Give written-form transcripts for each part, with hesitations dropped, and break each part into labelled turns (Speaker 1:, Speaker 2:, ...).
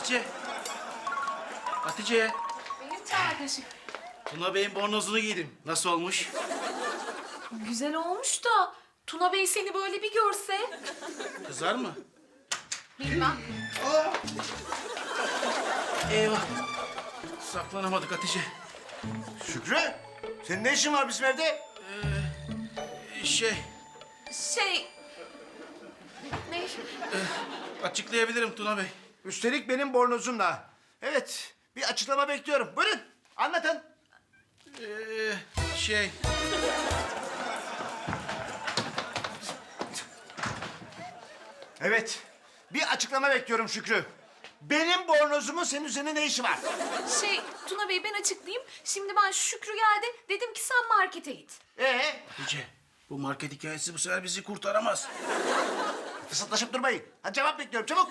Speaker 1: Hatice. Hatice.
Speaker 2: Benim kardeşim.
Speaker 1: Tuna Bey'in bornozunu giydim. Nasıl olmuş?
Speaker 2: Güzel olmuş da Tuna Bey seni böyle bir görse.
Speaker 1: Kızar mı?
Speaker 2: Bilmem.
Speaker 1: Eyvah. Saklanamadık Hatice.
Speaker 3: Şükrü, senin ne işin var bizim evde?
Speaker 1: Şey,
Speaker 2: Şey... Ne?
Speaker 1: açıklayabilirim Tuna Bey.
Speaker 3: Üstelik benim bornozumla. Evet, bir açıklama bekliyorum. Buyurun, anlatın.
Speaker 1: Şey,
Speaker 3: Evet, bir açıklama bekliyorum Şükrü. Benim bornozumun senin üzerine ne işi var?
Speaker 2: Şey Tuna Bey ben açıklayayım. Şimdi ben Şükrü geldi. Dedim ki sen markete git.
Speaker 1: Hatice. Bu market hikayesi bu sefer bizi kurtaramaz.
Speaker 3: Fısıldaşıp durmayın. Hadi cevap bekliyorum, çabuk.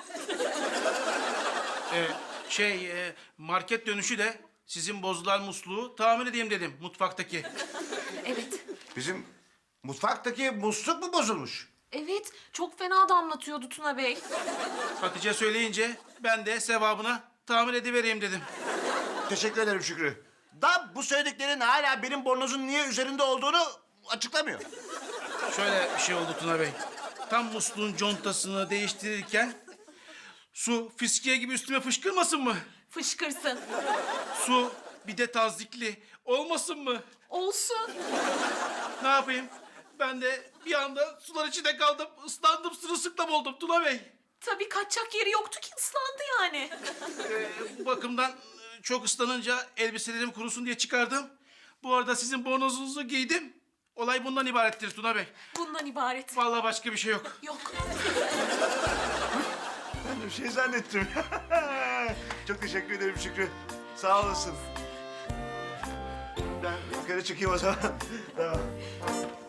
Speaker 1: Market dönüşü de sizin bozulan musluğu tamir edeyim dedim mutfaktaki.
Speaker 2: Evet.
Speaker 3: Bizim mutfaktaki musluk mu bozulmuş?
Speaker 2: Evet. Çok fena damlatıyordu Tuna Bey.
Speaker 1: Hatice söyleyince ben de sevabına tamir edivereyim dedim.
Speaker 3: Teşekkür ederim Şükrü. Da bu söylediklerin hala benim bornozun niye üzerinde olduğunu açıklamıyor.
Speaker 1: Şöyle bir şey oldu Tuna Bey. Tam musluğun contasını değiştirirken su fiskiye gibi üstüme fışkırmasın mı?
Speaker 2: Fışkırsın.
Speaker 1: Su bir de tazyikli olmasın mı?
Speaker 2: Olsun.
Speaker 1: Ne yapayım? Ben de bir anda sular içinde kaldım. Islandım, sırılsıklam oldum Tuna Bey.
Speaker 2: Tabii kaçacak yeri yoktu ki ıslandı yani.
Speaker 1: Bu bakımdan çok ıslanınca elbiselerim kurusun diye çıkardım. Bu arada sizin bornozunuzu giydim. Olay bundan ibarettir Tuna Bey.
Speaker 2: Bundan ibaret.
Speaker 1: Vallahi başka bir şey yok.
Speaker 2: Yok.
Speaker 3: Ben de bir şey zannettim. Çok teşekkür ederim Şükrü. Sağ olasın. Ben yukarı çıkayım o zaman. Tamam.